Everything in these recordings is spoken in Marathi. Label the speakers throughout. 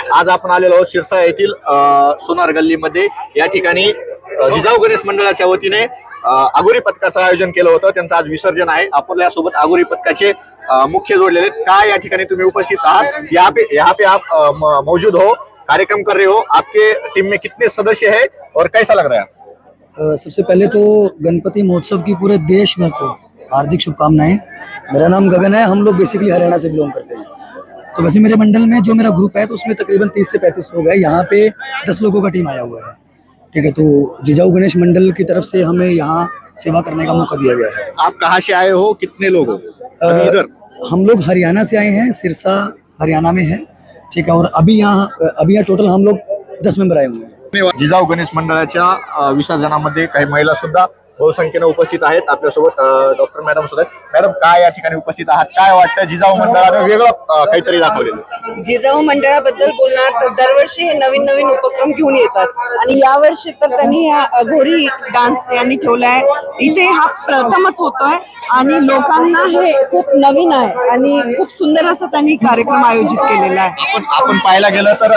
Speaker 1: आज आपण आलेलो आहोत शिरसा येथील सोनार गल्लीमध्ये। या ठिकाणी जिजाऊ गणेश मंडळाच्या वतीने आगोरी पथकाचं आयोजन केलं होतं। त्यांचं आज विसर्जन आहे। आपल्यासोबत आगोरी पथकाचे मुख्य जोडलेले काय या ठिकाणी तुम्ही उपस्थित आहात, यहाँ पे आप मौजूद हो, कार्यक्रम कर रहे हो। आपके टीम में कितने सदस्य हैं और कैसा लग रहा है?
Speaker 2: सबसे पहले तो गणपति महोत्सव की पूरे देश भर को हार्दिक शुभकामनाएं। मेरा नाम गगन है। हम लोग बेसिकली हरियाणा से बिलोंग करते हैं। तो वैसे मेरे मंडल में जो मेरा ग्रुप है तो उसमें तकरीबन 30 से 35 लोग हैं। यहाँ पे 10 लोगों का टीम आया हुआ है। ठीक है, तो जिजाऊ गणेश मंडल की तरफ से हमें यहाँ सेवा करने का मौका दिया गया है।
Speaker 1: आप कहाँ से आए हो, कितने लोग हो? इधर
Speaker 2: हम लोग हरियाणा से आए हैं, सिरसा हरियाणा में है। ठीक है, और अभी यहाँ टोटल हम लोग 10 मेंबर आए हुए हैं।
Speaker 1: जिजाऊ गणेश मंडळाच्या विसर्जनामध्ये काही महिला सुद्धा बहुसंख्येने उपस्थित आहेत। आपल्यासोबत डॉक्टर मॅडम सुद्धा आहेत। मॅडम, काय या ठिकाणी उपस्थित आहात? काय वाटतं जिजाऊ मंडळाने वेगळं काहीतरी दाखवलेलं?
Speaker 3: जिजाऊ मंडळाबद्दल बोलणार तर दरवर्षी हे नवीन नवीन उपक्रम घेऊन येतात आणि यावर्षी तर त्यांनी हा अघोरी डान्स यांनी ठेवलाय। इथे हा प्रथमच होतोय आणि लोकांना हे खूप नवीन आहे आणि खूप सुंदर असं त्यांनी कार्यक्रम आयोजित केलेला आहे।
Speaker 1: आपण पाहायला गेलं तर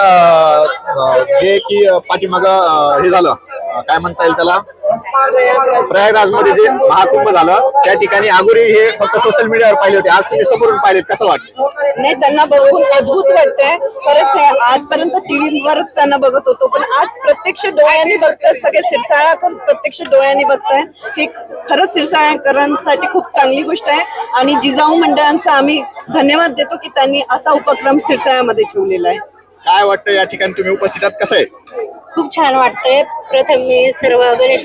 Speaker 1: जे की पाठीमाग हे झालं, काय म्हणता येईल त्याला, प्रयागराज मध्ये जे महाकुंभ झालं त्या ठिकाणी आगोरी हे फक्त सोशल मीडियावर पाहिले होते। आज तुम्ही समोरून पाहिलेत, कसं वाटतं?
Speaker 3: नाही, त्यांना बघून अद्भुत वाटतंय। खरंच आजपर्यंत टीव्हीवरच त्यांना बघत होतो, पण आज प्रत्यक्ष डोळ्यांनी बघतायत, सगळे सिरसाळाकर प्रत्यक्ष डोळ्यांनी बघतायत। ही खरंच सिरसाळ्याकरांसाठी खूप चांगली गोष्ट आहे आणि जिजाऊ मंडळांचा आम्ही धन्यवाद देतो की त्यांनी असा उपक्रम सिरसाळ्यामध्ये ठेवलेला आहे।
Speaker 1: काय वाटतं या ठिकाणी तुम्ही उपस्थित आहात, कसं आहे?
Speaker 4: खूप छान वाटतंय। प्रथम मी सर्व गणेश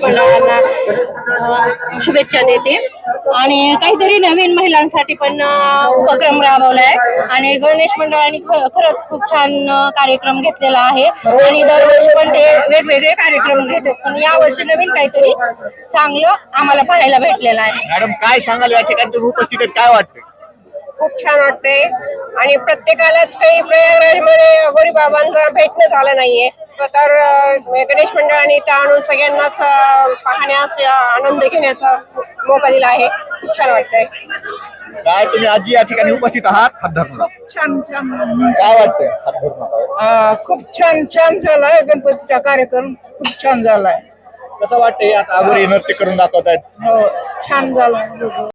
Speaker 4: मंडळांना शुभेच्छा देते आणि काहीतरी नवीन महिलांसाठी पण उपक्रम राबवलाय आणि गणेश मंडळाने खरंच खूप छान कार्यक्रम घेतलेला आहे आणि दरवर्षी पण ते वेगवेगळे कार्यक्रम घेतात, पण यावर्षी नवीन काहीतरी चांगलं आम्हाला पाहायला भेटलेलं आहे।
Speaker 1: मॅडम, काय सांगाल या ठिकाणी तुम्ही उपस्थित आहेत, काय वाटतं?
Speaker 5: खूप छान वाटतंय आणि प्रत्येकालाच काही प्रयागराजमध्ये अघोरी बाबांचा भेटणं झालं नाहीये, तर गणेश मंडळाने इथं आणून सगळ्यांनाच पाहण्यास आनंद घेण्याचा मौका दिला आहे। खूप छान वाटतंय।
Speaker 1: काय तुम्ही आजी या ठिकाणी उपस्थित आहात? हात धरून
Speaker 5: छान छान
Speaker 1: काय वाटतंय? हात धरून नका.
Speaker 5: खूप छान छान झालाय। गणपतीचा कार्यक्रम खूप छान झालाय।
Speaker 1: कसं वाटतंय? आता आगोरी नृत्य करून दाखवतायत।
Speaker 5: हो, छान झालाय।